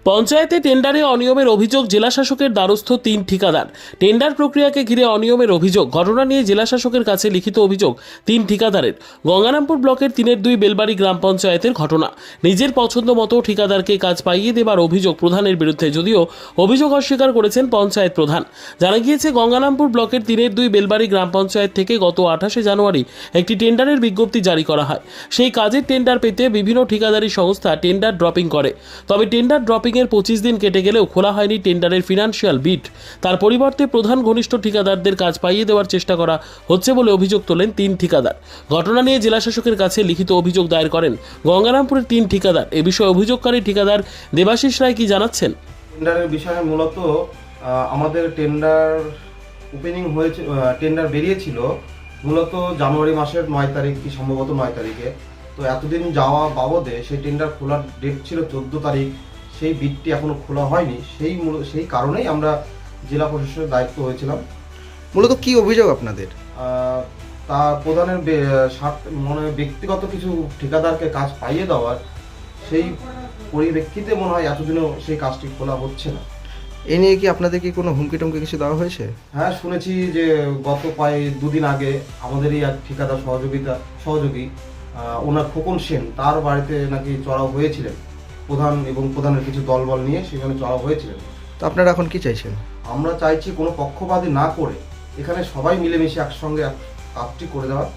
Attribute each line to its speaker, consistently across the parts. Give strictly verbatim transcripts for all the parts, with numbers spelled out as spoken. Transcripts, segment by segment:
Speaker 1: পঞ্চায়েতে টেন্ডারে অনিয়মের অভিযোগ জেলাশাসকের দ্বারস্থ তিন ঠিকাদার। টেন্ডার প্রক্রিয়াকে ঘিরে অনিয়মের অভিযোগ ঘটনা নিয়ে জেলাশাসকের কাছে লিখিত অভিযোগ তিন ঠিকাদারের। গঙ্গারামপুর ব্লকের তিনের দুই বেলবাড়ি গ্রাম পঞ্চায়েতের ঘটনা। নিজের পছন্দ মতো ঠিকাদারকে কাজ পাইয়ে দেবার অভিযোগ প্রধানের বিরুদ্ধে, যদিও অভিযোগ অস্বীকার করেছেন পঞ্চায়েত প্রধান। জানা গিয়েছে, গঙ্গারামপুর ব্লকের তিনের দুই বেলবাড়ি গ্রাম পঞ্চায়েত থেকে গত আঠাশে জানুয়ারি একটি টেন্ডারের বিজ্ঞপ্তি জারি করা হয়। সেই কাজের টেন্ডার পেতে বিভিন্ন ঠিকাদারি সংস্থা টেন্ডার ড্রপিং করে। তবে টেন্ডার ড্রপিং এর পঁচিশ দিন কেটে গেলেও খোলা হয়নি টেন্ডারের ফিনান্সিয়াল বিট। তার পরিবর্তে প্রধান ঘনিষ্ঠ ঠিকাদারদের কাজ পাইয়ে দেওয়ার চেষ্টা করা হচ্ছে বলে অভিযোগ তোলেন তিন ঠিকাদার। ঘটনা নিয়ে জেলাশাসকের কাছে লিখিত অভিযোগ দায়ের করেন গঙ্গারামপুরের তিন ঠিকাদার। এ বিষয়ে অভিযোগকারী ঠিকাদার দেবাশিস রায় কি জানাচ্ছেন?
Speaker 2: টেন্ডারের বিষয়ে মূলত আমাদের টেন্ডার ওপেনিং হয়েছে, টেন্ডার বেরিয়েছিল মূলত জানুয়ারি মাসের নয় তারিখ কি সম্ভবত নয় তারিখে। তো এতদিন যাওয়া বাবদে সেই টেন্ডার খোলার ডেট ছিল চোদ্দো তারিখ, সেই বিটটি এখনো খোলা হয়নি। সেই সেই কারণেই আমরা জেলা প্রশাসনের দায়িত্ব হয়েছিলাম।
Speaker 3: মূলত কি অভিযোগ আপনাদের?
Speaker 2: তা প্রধানের মানে ব্যক্তিগত কিছু ঠিকাদারকে কাজ পাইয়ে দেওয়ার, সেই পরিপ্রেক্ষিতে মনে হয় এতদিনও সেই কাজটি খোলা হচ্ছে না।
Speaker 3: এ নিয়ে কি আপনাদের কি কোনো হুমকি টুমকি কিছু দেওয়া হয়েছে?
Speaker 2: হ্যাঁ, শুনেছি যে গত প্রায় দুদিন আগে আমাদেরই এক ঠিকাদার সহযোগিতা সহযোগী ওনার খোকন সেন, তার বাড়িতে নাকি চড়াও হয়েছিলেন প্রধান এবং প্রধানের কিছু দলবল নিয়ে, সেখানে চড়াও হয়েছিলেন।
Speaker 3: তো আপনারা এখন কি চাইছেন?
Speaker 2: আমরা চাইছি কোনো পক্ষপাতী না করে এখানে সবাই মিলেমিশে একসঙ্গে কাজটি করে দেওয়া।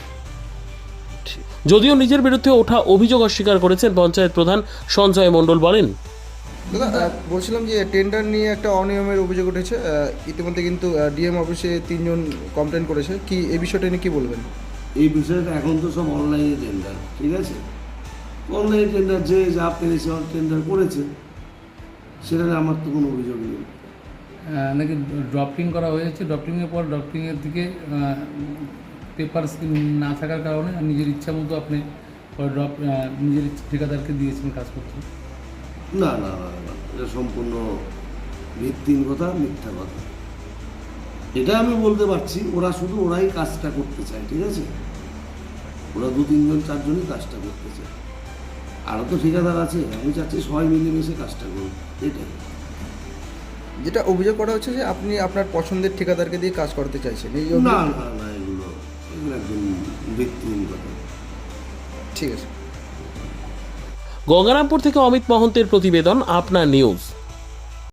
Speaker 1: যদিও নিজের বিরুদ্ধে ওঠা অভিযোগ অস্বীকার করেছেন পঞ্চায়েত প্রধান সঞ্জয় মণ্ডল। বলেন,
Speaker 3: দাদা বলছিলাম যে টেন্ডার নিয়ে একটা অনিয়মের অভিযোগ উঠেছে, ইতিমধ্যে কিন্তু ডিএম অফিসে তিনজন কমপ্লেন করেছে, কি এই বিষয়টা নিয়ে কি বলবেন?
Speaker 4: এই বিষয়টা এখন তো সব অনলাইনে টেন্ডার, ঠিক আছে? অনলাইনে টেন্ডার যে যা পেরেছে টেন্ডার করেছে, সেটা আমার তো কোনো অভিযোগ নেই।
Speaker 5: নাকি ড্রপিং করা হয়েছে, ড্রপিংয়ের পর ড্রপিংয়ের দিকে পেপার না থাকার কারণে নিজের ইচ্ছা মতো আপনি ড্রপ নিজের ঠিকাদারকে দিয়েছেন কাজ করতে।
Speaker 4: না না না না, এটা সম্পূর্ণ ভিত্তিহীন কথা, মিথ্যা কথা। এটা আমি বলতে পারছি, ওরা শুধু ওরাই কাজটা করতে চায়, ঠিক আছে? ওরা দু তিনজন চারজনই কাজটা করতে চায়, আরও তো ঠিকাদার আছে। আমি চাচ্ছি সবাই মিলেমিশে কাজটা করুন, এটাই।
Speaker 3: যেটা অভিযোগ করা হচ্ছে যে আপনি আপনার পছন্দের ঠিকাদারকে দিয়ে কাজ করতে চাইছেন, এই
Speaker 4: না না না, এগুলো এগুলো একদম ভিত্তিহীন কথা।
Speaker 3: ঠিক আছে।
Speaker 1: গঙ্গারামপুর থেকে অমিত মহন্তের প্রতিবেদন, আপনার নিউজ।